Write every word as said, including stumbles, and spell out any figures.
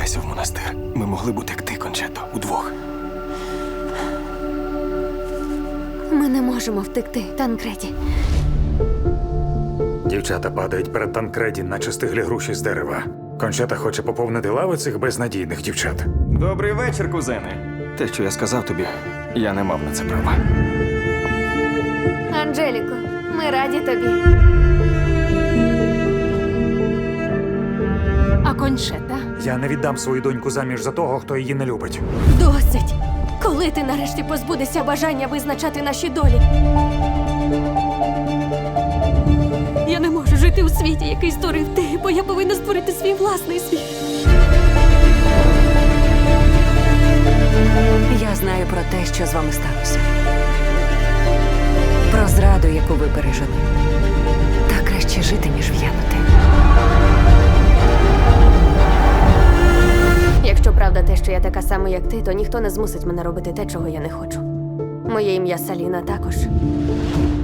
повертайся в монастир. Ми могли бути як ти, Кончето, удвох. Ми не можемо втекти, Танкреді. Дівчата падають перед Танкреді, наче стиглі груші з дерева. Кончата хоче поповнити лави цих безнадійних дівчат. Добрий вечір, кузени. Те, що я сказав тобі, я не мав на це права. Анджеліко, ми раді тобі. А Кончета? Я не віддам свою доньку заміж за того, хто її не любить. Досить! Коли ти нарешті позбудешся бажання визначати наші долі? Я не можу жити у світі, який створив ти, бо я повинна створити свій власний світ. Я знаю про те, що з вами сталося. Про зраду, яку ви пережили. Та краще жити, ніж в'янути. Якщо правда те, що я така сама, як ти, то ніхто не змусить мене робити те, чого я не хочу. Моє ім'я Саліна також.